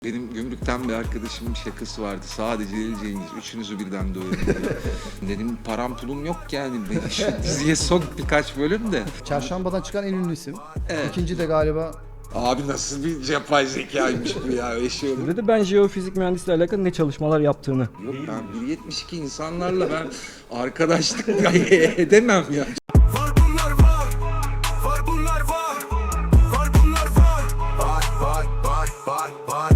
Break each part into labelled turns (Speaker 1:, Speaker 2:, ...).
Speaker 1: Benim gümrükten bir arkadaşımın şakası vardı. Sadece geleceğiniz, üçünüzü birden doyurun diye. Dedim param pulum yok yani. Ben şu diziye son birkaç bölüm de.
Speaker 2: Çarşambadan çıkan en ünlü isim.
Speaker 1: Evet.
Speaker 2: İkinci de galiba
Speaker 1: Abi nasıl bir yapay zekaymış bu ya. Eşi olur.
Speaker 3: Dedi ben jeofizik mühendisliği alakalı ne çalışmalar yaptığını.
Speaker 1: Yok ben 1.72 insanlarla ben arkadaşlık edemem ya.
Speaker 4: Var bunlar var, var bunlar var, var bunlar var, var.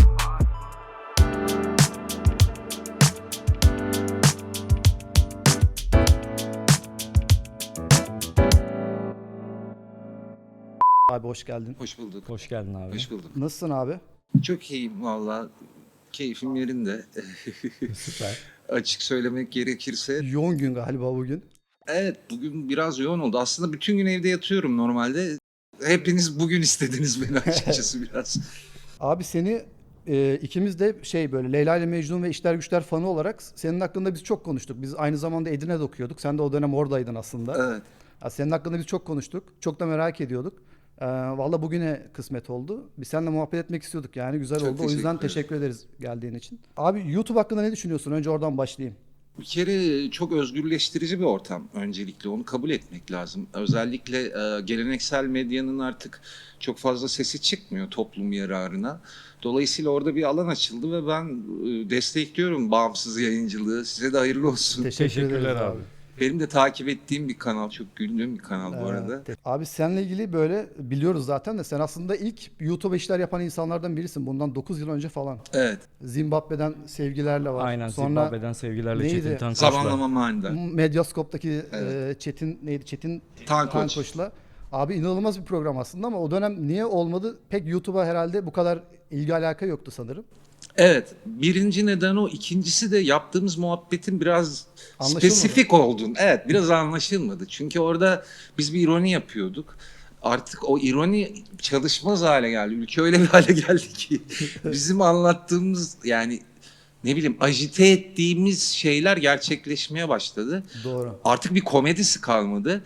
Speaker 2: abi hoş geldin.
Speaker 1: Hoş bulduk.
Speaker 3: Hoş geldin abi.
Speaker 1: Hoş bulduk.
Speaker 2: Nasılsın abi?
Speaker 1: Çok iyiyim valla. Keyfim yerinde.
Speaker 3: Süper.
Speaker 1: Açık söylemek gerekirse.
Speaker 2: Yoğun gün galiba bugün.
Speaker 1: Evet bugün biraz yoğun oldu. Aslında bütün gün evde yatıyorum normalde. Hepiniz bugün istediniz beni açıkçası biraz.
Speaker 2: Abi seni ikimiz de böyle Leyla ile Mecnun ve İşler Güçler fanı olarak senin hakkında biz çok konuştuk. Biz aynı zamanda Edirne'de okuyorduk. Sen de o dönem oradaydın aslında.
Speaker 1: Evet.
Speaker 2: Ya senin hakkında biz çok konuştuk. Çok da merak ediyorduk. Valla bugüne kısmet oldu. Biz seninle muhabbet etmek istiyorduk yani güzel
Speaker 1: Çok
Speaker 2: oldu. O yüzden
Speaker 1: teşekkür
Speaker 2: teşekkür ederiz geldiğin için. Abi YouTube hakkında ne düşünüyorsun? Önce oradan başlayayım.
Speaker 1: Bir kere çok özgürleştirici bir ortam öncelikle onu kabul etmek lazım. Özellikle geleneksel medyanın artık çok fazla sesi çıkmıyor toplum yararına. Dolayısıyla orada bir alan açıldı ve ben destekliyorum bağımsız yayıncılığı. Size de hayırlı olsun.
Speaker 3: Teşekkürler
Speaker 2: ederiz
Speaker 3: abi.
Speaker 1: Benim de takip ettiğim bir kanal, çok güldüğüm bir kanal bu arada.
Speaker 2: Abi seninle ilgili böyle biliyoruz zaten de sen aslında ilk YouTube işler yapan insanlardan birisin. Bundan 9 yıl önce falan.
Speaker 1: Evet,
Speaker 2: Zimbabwe'den sevgilerle var.
Speaker 3: Aynen
Speaker 2: Sonra
Speaker 3: Zimbabwe'den sevgilerle
Speaker 2: neydi?
Speaker 3: Çetin Tankoç'la.
Speaker 1: zamanlama manida.
Speaker 2: Medyaskop'taki
Speaker 1: Evet.
Speaker 2: Çetin neydi? Çetin
Speaker 1: Tankoç.
Speaker 2: Tankoç'la. Abi inanılmaz bir program aslında ama o dönem niye olmadı? Pek YouTube'a herhalde bu kadar ilgi alaka yoktu sanırım.
Speaker 1: Evet, birinci neden o. İkincisi de yaptığımız muhabbetin biraz
Speaker 2: Anlaşılmadı.
Speaker 1: spesifik olduğunu. Evet, biraz anlaşılmadı. Çünkü orada biz bir ironi yapıyorduk. Artık o ironi çalışmaz hale geldi. Ülke öyle bir hale geldi ki bizim anlattığımız yani ne bileyim ajite ettiğimiz şeyler gerçekleşmeye başladı.
Speaker 2: Doğru.
Speaker 1: Artık bir komedisi kalmadı.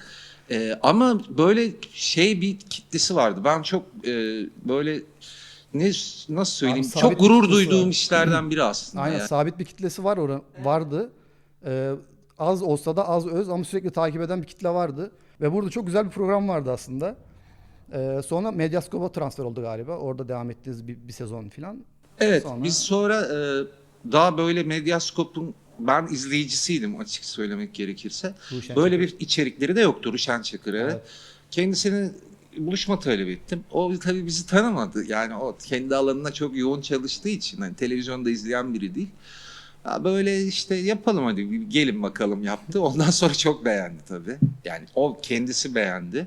Speaker 1: Ama böyle bir kitlesi vardı. Ben çok böyle nasıl söyleyeyim?
Speaker 2: Abi, sabit
Speaker 1: çok gurur
Speaker 2: bir kitlesi
Speaker 1: duyduğum
Speaker 2: var.
Speaker 1: işlerden biri aslında.
Speaker 2: Aynen
Speaker 1: yani.
Speaker 2: sabit bir kitlesi vardı. Az olsa da az öz ama sürekli takip eden bir kitle vardı. Ve burada çok güzel bir program vardı aslında. Sonra Medyaskop'a transfer oldu galiba. Orada devam ettiniz bir sezon falan.
Speaker 1: Evet,
Speaker 2: Sonra-
Speaker 1: biz sonra daha böyle Medyaskop'un ben izleyicisiydim açık söylemek gerekirse.
Speaker 2: Ruşen
Speaker 1: Böyle
Speaker 2: Çakır.
Speaker 1: bir içerikleri de yoktu Ruşen Çakır. Evet.
Speaker 2: Evet.
Speaker 1: Kendisine buluşma talep ettim. O tabii bizi tanımadı. Yani o kendi alanına çok yoğun çalıştığı için hani televizyonda izleyen biri değil. Ya böyle işte yapalım hadi bir gelin bakalım yaptı. Ondan sonra çok beğendi tabii. Yani o kendisi beğendi.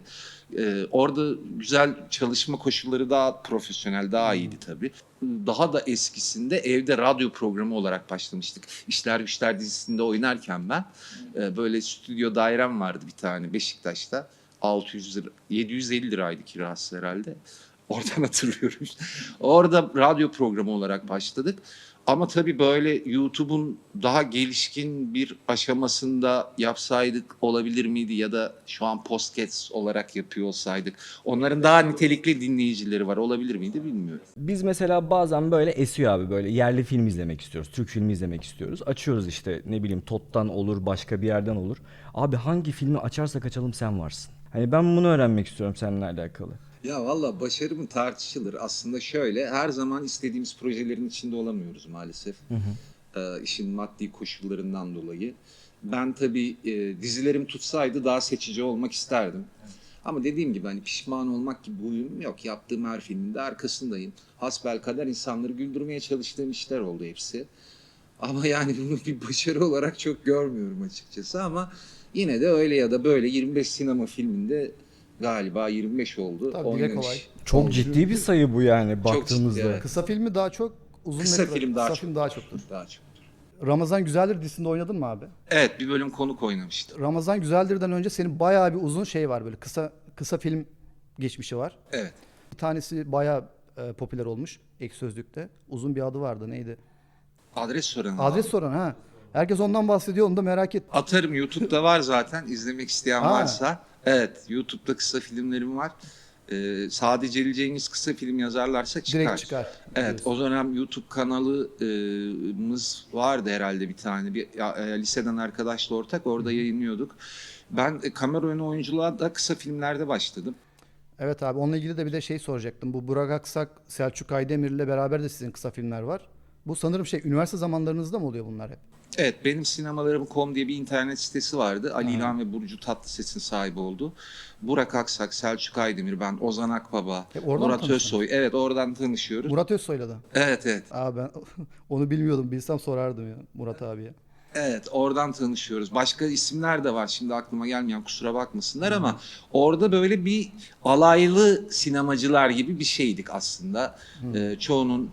Speaker 1: Orada güzel çalışma koşulları daha profesyonel, daha iyiydi tabii. Daha da eskisinde evde radyo programı olarak başlamıştık. İşler Güçler dizisinde oynarken ben böyle stüdyo dairem vardı bir tane Beşiktaş'ta. 600 lira, 750 liraydı kirası herhalde. Oradan hatırlıyorum. Orada radyo programı olarak başladık. Ama tabii böyle YouTube'un daha gelişkin bir aşamasında yapsaydık olabilir miydi ya da şu an podcast olarak yapıyor olsaydık. Onların daha nitelikli dinleyicileri var olabilir miydi bilmiyorum.
Speaker 3: Biz mesela bazen böyle esiyor abi böyle yerli film izlemek istiyoruz. Türk filmi izlemek istiyoruz. Açıyoruz işte ne bileyim TOT'tan olur başka bir yerden olur. Abi hangi filmi açarsak açalım sen varsın. Hani ben bunu öğrenmek istiyorum seninle alakalı.
Speaker 1: Ya valla başarı mı tartışılır. Aslında şöyle her zaman istediğimiz projelerin içinde olamıyoruz maalesef. İşin maddi koşullarından dolayı. Ben tabii dizilerim tutsaydı daha seçici olmak isterdim. Ama dediğim gibi hani pişman olmak gibi bir huyum yok. Yaptığım her filmin de arkasındayım. Hasbelkader insanları güldürmeye çalıştığım işler oldu hepsi. Ama yani bunu bir başarı olarak çok görmüyorum açıkçası ama yine de öyle ya da böyle 25 sinema filminde galiba 25 oldu.
Speaker 2: Tabii, dile
Speaker 1: oynanış.
Speaker 2: kolay.
Speaker 3: Çok ciddi bir sayı bu yani baktığımızda.
Speaker 1: ciddi, evet.
Speaker 2: Kısa filmi daha çok, uzun
Speaker 1: Kısa
Speaker 2: metraj-
Speaker 1: film daha
Speaker 2: kısa
Speaker 1: çok.
Speaker 2: film daha çoktur.
Speaker 1: Daha çok.
Speaker 2: Ramazan Güzeldir dizisinde oynadın mı abi?
Speaker 1: Evet bir bölüm konuk oynamıştım.
Speaker 2: Ramazan Güzeldir'den önce senin bayağı bir uzun var böyle kısa film geçmişi var.
Speaker 1: Evet.
Speaker 2: Bir tanesi bayağı popüler olmuş Ek Sözlük'te. Uzun bir adı vardı neydi?
Speaker 1: Adres sorun.
Speaker 2: Adres soran ha. Herkes ondan bahsediyor onu da merak et.
Speaker 1: Atarım YouTube'da var zaten izlemek isteyen
Speaker 2: Ha.
Speaker 1: varsa. Evet YouTube'da kısa filmlerim var. sadece Ali Cengiz kısa film yazarlarsa çıkar.
Speaker 2: Direkt çıkar.
Speaker 1: Evet, o dönem YouTube kanalımız vardı herhalde bir tane. Liseden arkadaşla ortak, orada yayınlıyorduk. Ben kamera önü oyunculuğa da kısa filmlerde başladım.
Speaker 2: Evet abi, onunla ilgili de bir de şey soracaktım. Bu Burak Aksak, Selçuk Aydemir'le beraber de sizin kısa filmler var. Bu sanırım üniversite zamanlarınızda mı oluyor bunlar hep?
Speaker 1: Evet, benim sinemalarım.com diye bir internet sitesi vardı. Ali İlhan ve Burcu Tatlıses'in sahibi oldu. Burak Aksak, Selçuk Aydemir, ben, Ozan Akbaba,
Speaker 2: Oradan mı
Speaker 1: Murat
Speaker 2: tanıştınız?
Speaker 1: Özsoy. Evet, oradan tanışıyoruz.
Speaker 2: Murat Özsoy'la da.
Speaker 1: Evet, evet.
Speaker 2: Abi ben onu bilmiyordum. Bilsem sorardım ya Murat abiye.
Speaker 1: Evet, oradan tanışıyoruz. Başka isimler de var. Şimdi aklıma gelmeyen, kusura bakmasınlar ama orada böyle bir alaylı sinemacılar gibi bir şeydik aslında. Çoğunun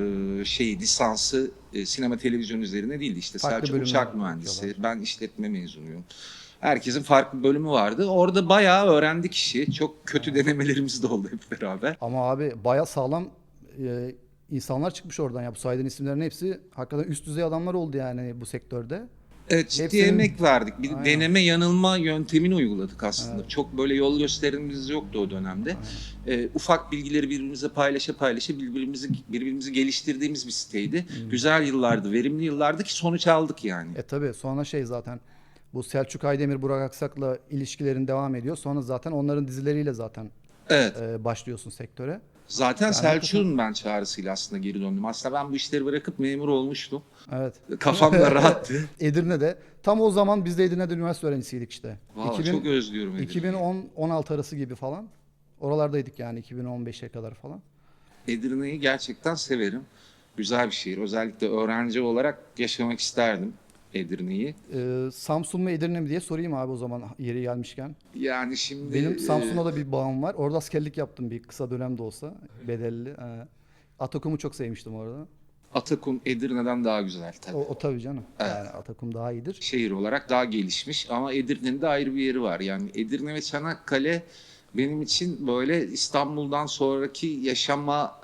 Speaker 1: lisansı sinema televizyon üzerine değildi. İşte
Speaker 2: Farklı
Speaker 1: Selçuk
Speaker 2: bölümler
Speaker 1: uçak mühendisi,
Speaker 2: yapıyorlar.
Speaker 1: ben işletme mezunuyum. Herkesin farklı bölümü vardı. Orada bayağı öğrendik işi. Çok kötü denemelerimiz de oldu hep beraber.
Speaker 2: Ama abi bayağı sağlam insanlar çıkmış oradan ya. Bu saydığın isimlerin hepsi hakikaten üst düzey adamlar oldu yani bu sektörde.
Speaker 1: Evet, ciddi
Speaker 2: Hepsinin-
Speaker 1: emek verdik. Bir
Speaker 2: Aynen.
Speaker 1: deneme yanılma yöntemini uyguladık aslında. Çok böyle yol gösterimimiz yoktu o dönemde. Ufak bilgileri birbirimize paylaşa birbirimizi geliştirdiğimiz bir siteydi. Güzel yıllardı, verimli yıllardı ki sonuç aldık yani.
Speaker 2: Tabii sonra zaten bu Selçuk Aydemir, Burak Aksak'la ilişkilerin devam ediyor. Sonra zaten onların dizileriyle zaten
Speaker 1: Evet.
Speaker 2: başlıyorsun sektöre.
Speaker 1: Zaten Selçuk'un ben çağrısıyla aslında geri döndüm. Aslında ben bu işleri bırakıp memur olmuştum.
Speaker 2: Evet.
Speaker 1: Kafam da rahattı.
Speaker 2: Edirne'de. Tam o zaman biz de Edirne'de üniversite öğrencisiydik işte.
Speaker 1: Vallahi çok özlüyorum Edirne'yi.
Speaker 2: 2010-16 arası gibi falan. Oralardaydık yani 2015'e kadar falan.
Speaker 1: Edirne'yi gerçekten severim. Güzel bir şehir. Özellikle öğrenci olarak yaşamak isterdim Edirne'yi.
Speaker 2: Samsun mu Edirne mi diye sorayım abi o zaman yeri gelmişken.
Speaker 1: Yani şimdi
Speaker 2: Benim Samsun'a da bir bağım var. Orada askerlik yaptım bir kısa dönem de olsa. Bedelli. Atakum'u çok sevmiştim orada.
Speaker 1: Atakum Edirne'den daha güzel tabii.
Speaker 2: O tabii canım.
Speaker 1: Evet.
Speaker 2: Yani Atakum daha iyidir.
Speaker 1: Şehir olarak daha gelişmiş ama Edirne'nin de ayrı bir yeri var. Yani Edirne ve Çanakkale benim için böyle İstanbul'dan sonraki yaşama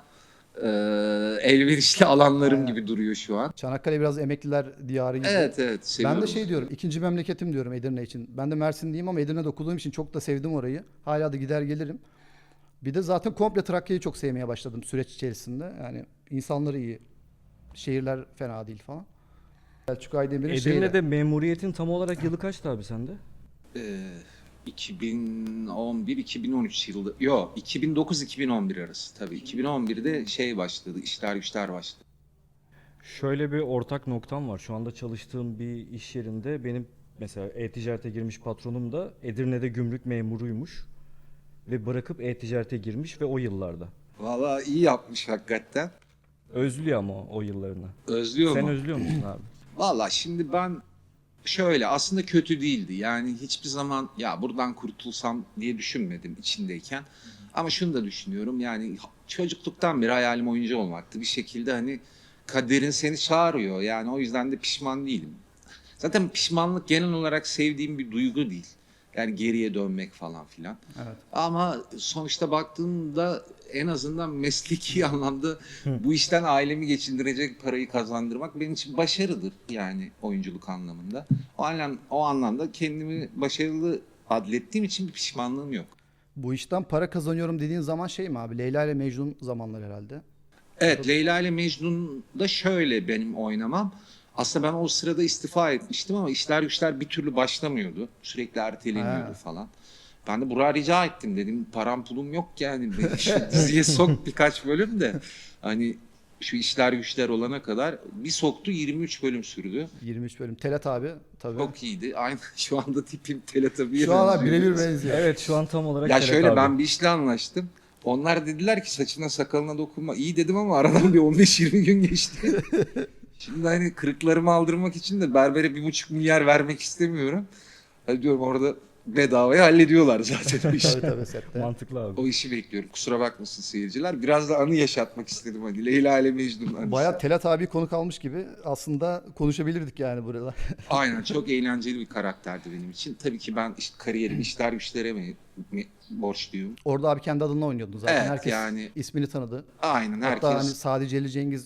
Speaker 1: elverişli alanlarım
Speaker 2: Aynen.
Speaker 1: gibi duruyor şu an.
Speaker 2: Çanakkale biraz emekliler diyarı gibi.
Speaker 1: Evet,
Speaker 2: Ben
Speaker 1: seviyorum.
Speaker 2: de diyorum, ikinci memleketim diyorum Edirne için. Ben de Mersinliyim ama Edirne'de okuduğum için çok da sevdim orayı. Hala da gider gelirim. Bir de zaten komple Trakya'yı çok sevmeye başladım süreç içerisinde. Yani insanları iyi. Şehirler fena değil falan. Selçuk Aydemir'in
Speaker 3: Edirne'de memuriyetin tam olarak yılı kaçtı abi sende?
Speaker 1: 2011-2013 yılı. Yok, 2009-2011 arası tabii. 2011'de başladı, işler güçler başladı.
Speaker 3: Şöyle bir ortak noktam var. Şu anda çalıştığım bir iş yerinde benim mesela e-ticarete girmiş patronum da Edirne'de gümrük memuruymuş. Ve bırakıp e-ticarete girmiş ve o yıllarda.
Speaker 1: Vallahi iyi yapmış hakikaten.
Speaker 3: Özlüyor ama o yıllarını.
Speaker 1: Özlüyor
Speaker 3: Sen
Speaker 1: mu?
Speaker 3: özlüyor musun abi?
Speaker 1: Vallahi şimdi ben aslında kötü değildi. Yani hiçbir zaman ya buradan kurtulsam diye düşünmedim içindeyken. Ama şunu da düşünüyorum, yani çocukluktan beri hayalim oyuncu olmaktı. Bir şekilde hani kaderin seni çağırıyor. Yani o yüzden de pişman değilim. Zaten pişmanlık genel olarak sevdiğim bir duygu değil. Yani geriye dönmek falan filan.
Speaker 2: Evet.
Speaker 1: Ama sonuçta baktığımda en azından mesleki anlamda bu işten ailemi geçindirecek parayı kazandırmak benim için başarıdır yani oyunculuk anlamında. O anlamda kendimi başarılı adlettiğim için bir pişmanlığım yok.
Speaker 2: Bu işten para kazanıyorum dediğin zaman mi abi? Leyla ile Mecnun zamanlar herhalde.
Speaker 1: Evet, Leyla ile Mecnun'da şöyle benim oynamam. Aslında ben o sırada istifa etmiştim ama işler güçler bir türlü başlamıyordu. Sürekli erteleniyordu
Speaker 2: Ha.
Speaker 1: falan. Ben de Burak'a rica ettim, dedim param pulum yok yani beni şu diziye sok birkaç bölüm de hani şu işler güçler olana kadar bir soktu, 23 bölüm sürdü.
Speaker 2: 23 bölüm. Telat abi tabii.
Speaker 1: Çok iyiydi. Aynı şu anda tipim Teletabi'ye
Speaker 2: Şu an abi
Speaker 1: benziyor.
Speaker 2: birebir benziyor.
Speaker 3: Evet şu an tam olarak
Speaker 1: Ya
Speaker 3: Serhat
Speaker 1: şöyle
Speaker 3: abi.
Speaker 1: ben bir işle anlaştım. Onlar dediler ki saçına sakalına dokunma. İyi dedim ama aradan bir 15-20 gün geçti. Şimdi hani kırıklarımı aldırmak için de berbere 1,5 milyar vermek istemiyorum. Hani diyorum orada bedavaya hallediyorlar zaten o işi.
Speaker 2: Tabii tabii sette.
Speaker 3: Mantıklı abi.
Speaker 1: O işi bekliyorum. Kusura bakmasın seyirciler. Biraz da anı yaşatmak istedim hani. Leyla ile Mecnun anısı.
Speaker 2: Bayağı Telat abi konuk almış gibi aslında konuşabilirdik yani burada.
Speaker 1: Aynen, çok eğlenceli bir karakterdi benim için. Tabii ki ben kariyerimi işler güçlere borçluyum.
Speaker 2: Orada abi kendi adına oynuyordun zaten.
Speaker 1: Evet,
Speaker 2: Herkes
Speaker 1: yani-
Speaker 2: ismini tanıdı.
Speaker 1: Aynen,
Speaker 2: Hatta
Speaker 1: herkes.
Speaker 2: hani sadece Ali Cengiz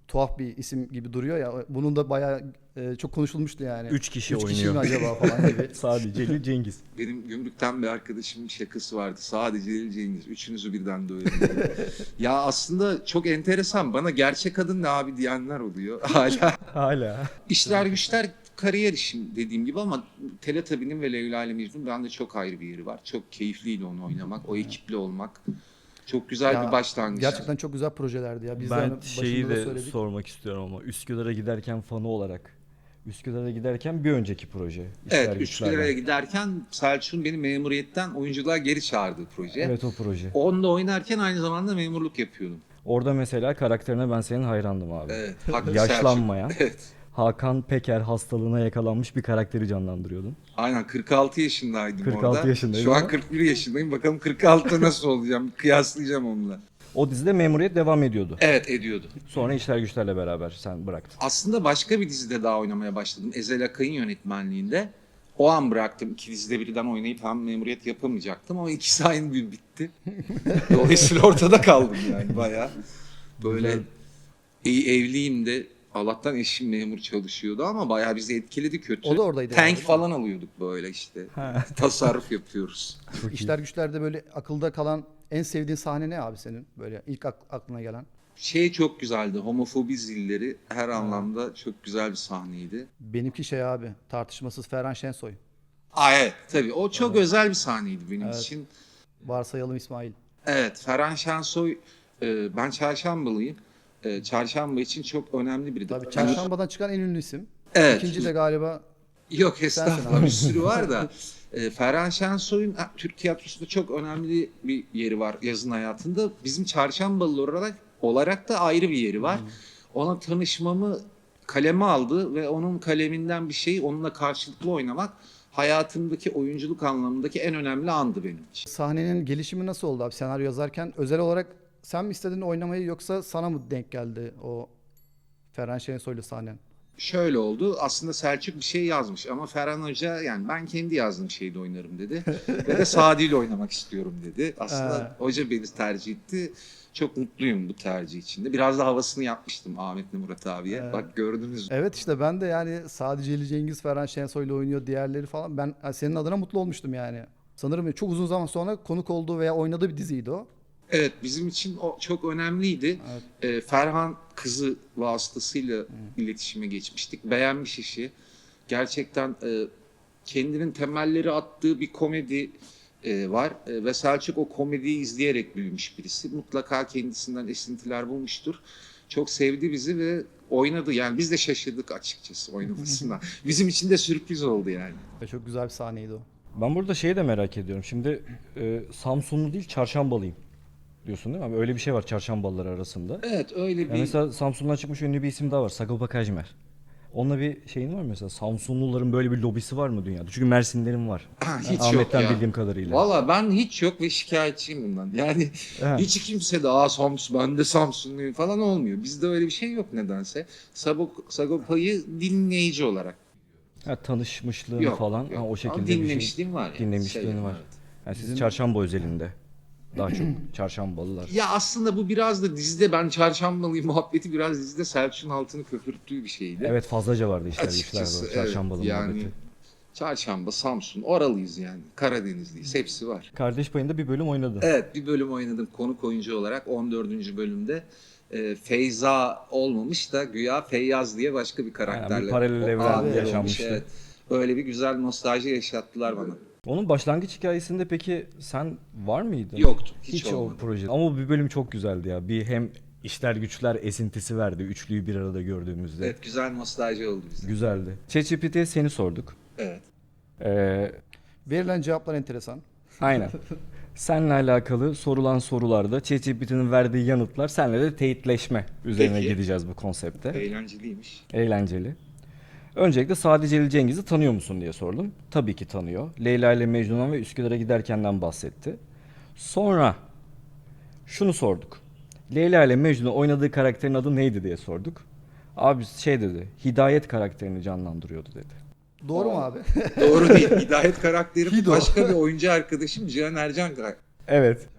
Speaker 2: tuhaf bir isim gibi duruyor ya. Bunun da bayağı çok konuşulmuştu yani.
Speaker 3: 3 kişi
Speaker 2: 3
Speaker 3: oynuyor.
Speaker 2: kişi mi acaba falan gibi.
Speaker 3: Sadece Celil Cengiz.
Speaker 1: Benim gümrükten bir arkadaşımın şakası vardı. Sadece Celil Cengiz. Üçünüzü birden dövdüm. Ya aslında çok enteresan. Bana gerçek adın ne abi diyenler oluyor. Hala.
Speaker 3: Hala.
Speaker 1: İşler güçler kariyer işim dediğim gibi ama Teletubbies'nin ve Leyla ile Mecnun bende çok ayrı bir yeri var. Çok keyifliydi onu oynamak. O ekiple olmak. Çok güzel
Speaker 2: Ya,
Speaker 1: bir başlangıç.
Speaker 2: Gerçekten çok güzel projelerdi ya. Biz de hani
Speaker 3: Ben şeyi
Speaker 2: başında da
Speaker 3: de
Speaker 2: söyledik.
Speaker 3: sormak istiyorum ama Üsküdar'a giderken fanı olarak. Üsküdar'a giderken bir önceki proje. İşler
Speaker 1: Evet,
Speaker 3: Güçler'den.
Speaker 1: Üsküdar'a giderken Selçuk'un beni memuriyetten oyunculuğa geri çağırdığı proje.
Speaker 3: Evet, o proje.
Speaker 1: Onda oynarken aynı zamanda memurluk yapıyordum.
Speaker 3: Orada mesela karakterine ben senin hayrandım abi.
Speaker 1: Evet, haklı
Speaker 3: Yaşlanmayan,
Speaker 1: Selçuk. Evet.
Speaker 3: Hakan Peker hastalığına yakalanmış bir karakteri canlandırıyordun.
Speaker 1: Aynen 46 yaşındaydım
Speaker 3: 46
Speaker 1: orada.
Speaker 3: yaşındaydın
Speaker 1: Şu an
Speaker 3: ama-
Speaker 1: 41 yaşındayım. Bakalım 46'da nasıl olacağım? Kıyaslayacağım onunla.
Speaker 3: O dizide memuriyet devam ediyordu.
Speaker 1: Evet ediyordu.
Speaker 3: Sonra İşler Güçler'le beraber sen bıraktın.
Speaker 1: Aslında başka bir dizide daha oynamaya başladım. Ezel Akay'ın yönetmenliğinde. O an bıraktım. 2 dizide birden oynayıp hem memuriyet yapamayacaktım ama ikisi aynı gün bitti. Dolayısıyla ortada kaldım yani bayağı. Böyle evliyim de Allah'tan eşim memur çalışıyordu ama bayağı bizi etkiledi kötü.
Speaker 2: O da oradaydı
Speaker 1: Tank
Speaker 2: yani.
Speaker 1: falan alıyorduk böyle işte. Tasarruf yapıyoruz.
Speaker 3: Çok iyi.
Speaker 2: İşler Güçler'de böyle akılda kalan en sevdiğin sahne ne abi senin? Böyle ilk aklına gelen.
Speaker 1: Şey çok güzeldi. Homofobi zilleri her anlamda çok güzel bir sahneydi.
Speaker 2: Benimki şey abi, tartışmasız Ferhan Şensoy.
Speaker 1: Evet tabii o çok özel bir sahneydi benim için.
Speaker 2: Varsayalım İsmail.
Speaker 1: Evet, Ferhan Şensoy, ben Çarşambalıyım. Çarşamba için çok önemli biridir.
Speaker 2: Tabii Çarşamba'dan çıkan en ünlü isim.
Speaker 1: Evet.
Speaker 2: İkinci de galiba
Speaker 1: Yok estağfurullah
Speaker 2: abi.
Speaker 1: bir sürü var da. Ferhan Şensoy'un Türk tiyatrosunda çok önemli bir yeri var yazın hayatında. Bizim Çarşambalı olarak da ayrı bir yeri var. Ona tanışmamı kaleme aldı ve onun kaleminden bir şey onunla karşılıklı oynamak hayatımdaki oyunculuk anlamındaki en önemli andı benim için.
Speaker 2: sahnenin gelişimi nasıl oldu abi senaryo yazarken? Özel olarak sen mi istedin oynamayı yoksa sana mı denk geldi o Ferhan Şensoy'lu sahnen?
Speaker 1: Şöyle oldu. Aslında Selçuk bir şey yazmış ama Ferhan Hoca yani ben kendi yazdığım şeyde oynarım dedi. Ve de Sadi ile oynamak istiyorum dedi. Aslında hoca beni tercih etti. Çok mutluyum bu tercih içinde. Biraz da havasını yapmıştım Ahmet'le Murat abiye. Bak gördünüz mü?
Speaker 2: Evet işte ben de yani sadece Ali Cengiz Ferhan Şensoy'la oynuyor diğerleri falan. Ben senin adına mutlu olmuştum yani. Sanırım çok uzun zaman sonra konuk olduğu veya oynadığı bir diziydi o.
Speaker 1: Evet bizim için o çok önemliydi. Ferhan kızı vasıtasıyla iletişime geçmiştik. Beğenmiş işi. Gerçekten kendinin temelleri attığı bir komedi var. Ve Selçuk o komediyi izleyerek büyümüş birisi. Mutlaka kendisinden esintiler bulmuştur. Çok sevdi bizi ve oynadı. Yani biz de şaşırdık açıkçası oynamasına. Bizim için de sürpriz oldu yani.
Speaker 2: Ve çok güzel bir sahneydi o.
Speaker 3: Ben burada şeyi de merak ediyorum. Şimdi Samsunlu değil Çarşambalıyım diyorsun değil mi? Abi öyle bir şey var Çarşambalılar arasında.
Speaker 1: Evet öyle
Speaker 3: Yani
Speaker 1: bir...
Speaker 3: mesela Samsun'dan çıkmış ünlü bir isim daha var. Sagopa Kajmer. Onunla bir şeyin var mı mesela? Samsunluların böyle bir lobisi var mı dünyada? Çünkü Mersinlerin var.
Speaker 1: Hiç yok
Speaker 3: Ahmet'ten
Speaker 1: ya.
Speaker 3: bildiğim kadarıyla.
Speaker 1: Valla ben hiç yok ve şikayetçiyim bundan. Yani
Speaker 3: Evet.
Speaker 1: hiç kimse de Samsun, ben de Samsunluyum falan olmuyor. Bizde öyle bir şey yok nedense. Sagopa'yı dinleyici olarak.
Speaker 3: Ha, tanışmışlığın
Speaker 1: Yok,
Speaker 3: falan
Speaker 1: yok.
Speaker 3: ha, o
Speaker 1: Ama
Speaker 3: şekilde bir şey.
Speaker 1: dinlemişliğim var. Yani.
Speaker 3: Dinlemişliğin var. Yani siz Çarşamba özelinde. Daha çok Çarşambalılar.
Speaker 1: Ya aslında bu biraz da dizide ben Çarşambalıyım muhabbeti biraz dizide Selçuk'un altını köpürttüğü bir şeydi.
Speaker 3: Evet fazlaca vardı işler güçler
Speaker 1: Açıkçası
Speaker 3: var. Çarşambalı
Speaker 1: yani
Speaker 3: muhabbeti.
Speaker 1: Çarşamba, Samsun, oralıyız yani. Karadenizliyiz. Hepsi var.
Speaker 3: Kardeş payında bir bölüm oynadı.
Speaker 1: Evet bir bölüm oynadım konuk oyuncu olarak 14. bölümde. Feyza olmamış da güya Feyyaz diye başka bir karakterle.
Speaker 3: Aynen, bir paralel
Speaker 1: o
Speaker 3: evren
Speaker 1: abi olmuş,
Speaker 3: yaşanmıştı.
Speaker 1: Evet. Öyle bir güzel nostalji yaşattılar bana.
Speaker 3: Onun başlangıç hikayesinde peki sen var mıydın?
Speaker 1: Yoktu. Hiç
Speaker 3: o
Speaker 1: olmadı.
Speaker 3: proje. Ama bir bölüm çok güzeldi ya. Bir hem işler güçler esintisi verdi. Üçlüyü bir arada gördüğümüzde.
Speaker 1: Evet güzel nostalji oldu bize.
Speaker 3: Güzeldi. ChatGPT'ye seni sorduk.
Speaker 1: Evet.
Speaker 2: Verilen cevaplar enteresan.
Speaker 3: Aynen. Seninle alakalı sorulan sorularda ChatGPT'nin verdiği yanıtlar senle de teyitleşme üzerine
Speaker 1: Peki.
Speaker 3: gideceğiz bu konsepte.
Speaker 1: Eğlenceliymiş.
Speaker 3: Eğlenceli. Öncelikle sadece Ali Cengiz'i tanıyor musun diye sordum. Tabii ki tanıyor. Leyla ile Mecnun'dan ve Üsküdar'a giderkenden bahsetti. Sonra şunu sorduk. Leyla ile Mecnun'un oynadığı karakterin adı neydi diye sorduk. Abi şey dedi. Hidayet karakterini canlandırıyordu dedi.
Speaker 2: Doğru mu abi?
Speaker 1: Doğru değil. Hidayet karakterim
Speaker 2: Hido.
Speaker 1: başka bir oyuncu arkadaşım Cihan Ercan.
Speaker 3: Evet.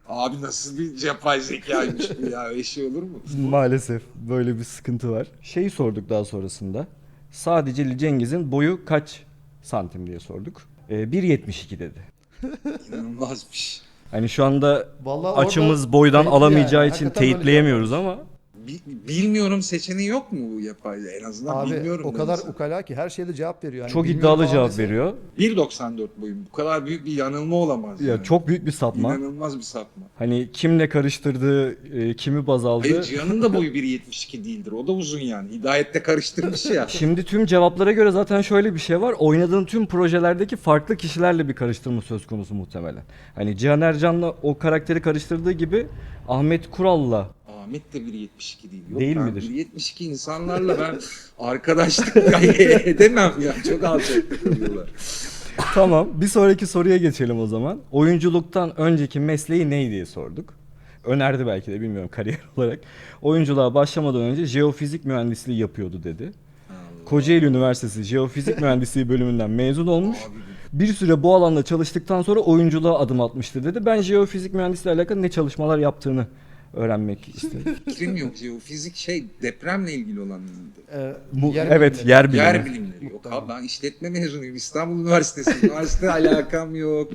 Speaker 1: Abi nasıl bir yapay zekaymış bu ya? Öyle şey olur mu?
Speaker 3: Maalesef böyle bir sıkıntı var. Şeyi sorduk daha sonrasında. Sadece Ali Cengiz'in boyu kaç santim diye sorduk. 1.72 dedi.
Speaker 1: İnanılmazmış.
Speaker 3: Hani şu anda
Speaker 2: Vallahi orada
Speaker 3: açımız boydan
Speaker 2: teyitli
Speaker 3: alamayacağı
Speaker 2: yani.
Speaker 3: için
Speaker 2: Hakikaten böyle
Speaker 3: teyitleyemiyoruz ama
Speaker 1: Bilmiyorum seçeneği yok mu bu yapay? En azından
Speaker 2: Abi
Speaker 1: bilmiyorum.
Speaker 2: o kadar
Speaker 1: mesela.
Speaker 2: ukala ki her şeyde cevap veriyor. Yani
Speaker 3: çok
Speaker 2: bilmiyorum
Speaker 3: iddialı
Speaker 2: falan
Speaker 3: cevap
Speaker 2: dese-
Speaker 3: veriyor.
Speaker 1: 1.94 boyum. Bu kadar büyük bir yanılma olamaz.
Speaker 3: Ya
Speaker 1: yani.
Speaker 3: çok büyük bir sapma.
Speaker 1: İnanılmaz bir sapma.
Speaker 3: Hani kimle karıştırdığı, kimi baz aldı.
Speaker 1: Hayır Cihan'ın da boyu 1.72 değildir. O da uzun yani. Hidayet'te karıştırmış ya.
Speaker 3: Şimdi tüm cevaplara göre zaten şöyle bir şey var. Oynadığın tüm projelerdeki farklı kişilerle bir karıştırma söz konusu muhtemelen. Hani Cihan Ercan'la o karakteri karıştırdığı gibi Ahmet Kural'la
Speaker 1: Ahmet de 1.72 değil. Yok,
Speaker 3: Değil
Speaker 1: ben
Speaker 3: midir?
Speaker 1: 1.72 insanlarla ben arkadaşlık edemem ya. Çok alçak kalıyorlar.
Speaker 3: Tamam, bir sonraki soruya geçelim o zaman. Oyunculuktan önceki mesleği ne diye sorduk. Önerdi belki de bilmiyorum kariyer olarak. Oyunculuğa başlamadan önce jeofizik mühendisliği yapıyordu dedi. Kocaeli Üniversitesi Jeofizik Mühendisliği bölümünden mezun olmuş. Bir süre bu alanda çalıştıktan sonra oyunculuğa adım atmıştı dedi. Ben jeofizik mühendisliği alakalı ne çalışmalar yaptığını öğrenmek istedim.
Speaker 1: Fikrim yok. Jeofizik depremle ilgili olan mıydı?
Speaker 3: Evet,
Speaker 2: bilimleri.
Speaker 3: yer bilimleri.
Speaker 1: Yer bilimleri. Yok abi ben işletme mezunuyum. İstanbul Üniversitesi. Üniversite alakam yok.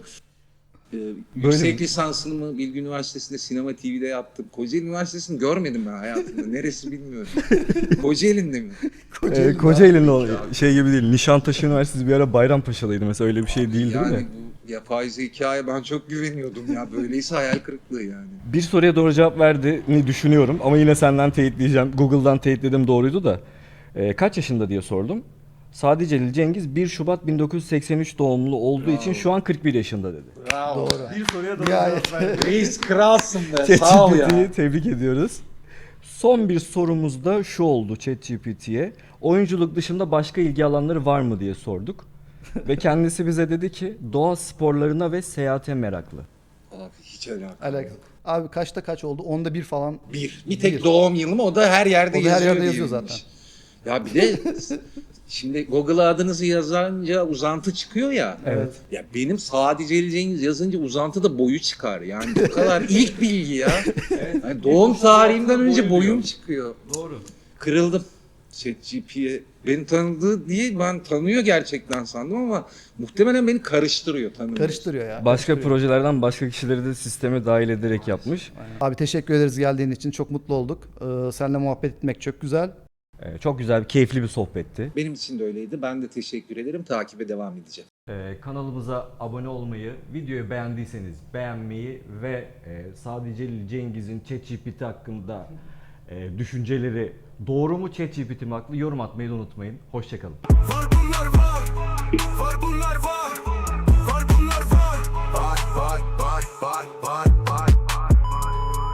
Speaker 1: Yüksek lisansını mı Bilgi Üniversitesi'nde Sinema TV'de yaptım. Kocaeli Üniversitesi'ni görmedim ben hayatımda. Neresi bilmiyorum. Kocaeli'nde mi?
Speaker 3: Kocaeli'nin o şey gibi değil. Nişantaşı Üniversitesi bir ara Bayrampaşa'daydı mesela öyle bir şey değil değil
Speaker 1: Yani
Speaker 3: mi?
Speaker 1: bu yapay zekaya ben çok güveniyordum ya. Böyleyse hayal kırıklığı yani.
Speaker 3: Bir soruya doğru cevap verdiğini düşünüyorum ama yine senden teyitleyeceğim. Google'dan teyitledim doğruydu da. Kaç yaşında diye sordum. Sadece Ali Cengiz 1 Şubat 1983 doğumlu olduğu için şu an 41 yaşında dedi.
Speaker 1: Bravo.
Speaker 2: Doğru.
Speaker 3: Bir soruya doğru
Speaker 2: Gayet.
Speaker 1: Reis kralsın be. Sağ ol ya.
Speaker 3: ChatGPT'yi tebrik ediyoruz. Son bir sorumuz da şu oldu ChatGPT'ye. Oyunculuk dışında başka ilgi alanları var mı diye sorduk. Ve kendisi bize dedi ki doğa sporlarına ve seyahate meraklı.
Speaker 1: Abi hiç alakam.
Speaker 2: Alakası. Abi kaçta kaç oldu? Onda bir falan.
Speaker 1: Bir tek doğum yılım o da her yerde
Speaker 2: O da her
Speaker 1: yazıyor.
Speaker 2: yerde yazıyor
Speaker 1: diyebilmiş. Ya bir de şimdi Google'a adınızı yazınca uzantı çıkıyor ya.
Speaker 3: Evet.
Speaker 1: Ya benim sadece Ali Cengiz yazınca uzantı da boyu çıkar. Yani bu kadar ilk bilgi ya. Yani doğum tarihimden önce boyum çıkıyor.
Speaker 3: Doğru.
Speaker 1: Kırıldım. ChatGPT'ye beni tanıdığı diye ben tanıyor gerçekten sandım ama muhtemelen beni karıştırıyor tanımıyor.
Speaker 2: Karıştırıyor ya.
Speaker 3: Başka projelerden başka kişileri de sisteme dahil ederek yapmış.
Speaker 2: Abi teşekkür ederiz geldiğin için. Çok mutlu olduk. Seninle muhabbet etmek çok güzel.
Speaker 3: Çok güzel, keyifli bir sohbetti.
Speaker 1: Benim için de öyleydi. Ben de teşekkür ederim. Takibe devam edeceğim.
Speaker 3: Kanalımıza abone olmayı, videoyu beğendiyseniz beğenmeyi ve sadece Cengiz'in ChatGPT hakkında düşünceleri doğru mu ChatGPT mi haklı yorum atmayı da unutmayın. Hoşçakalın.
Speaker 4: Var bunlar var. Var bunlar var.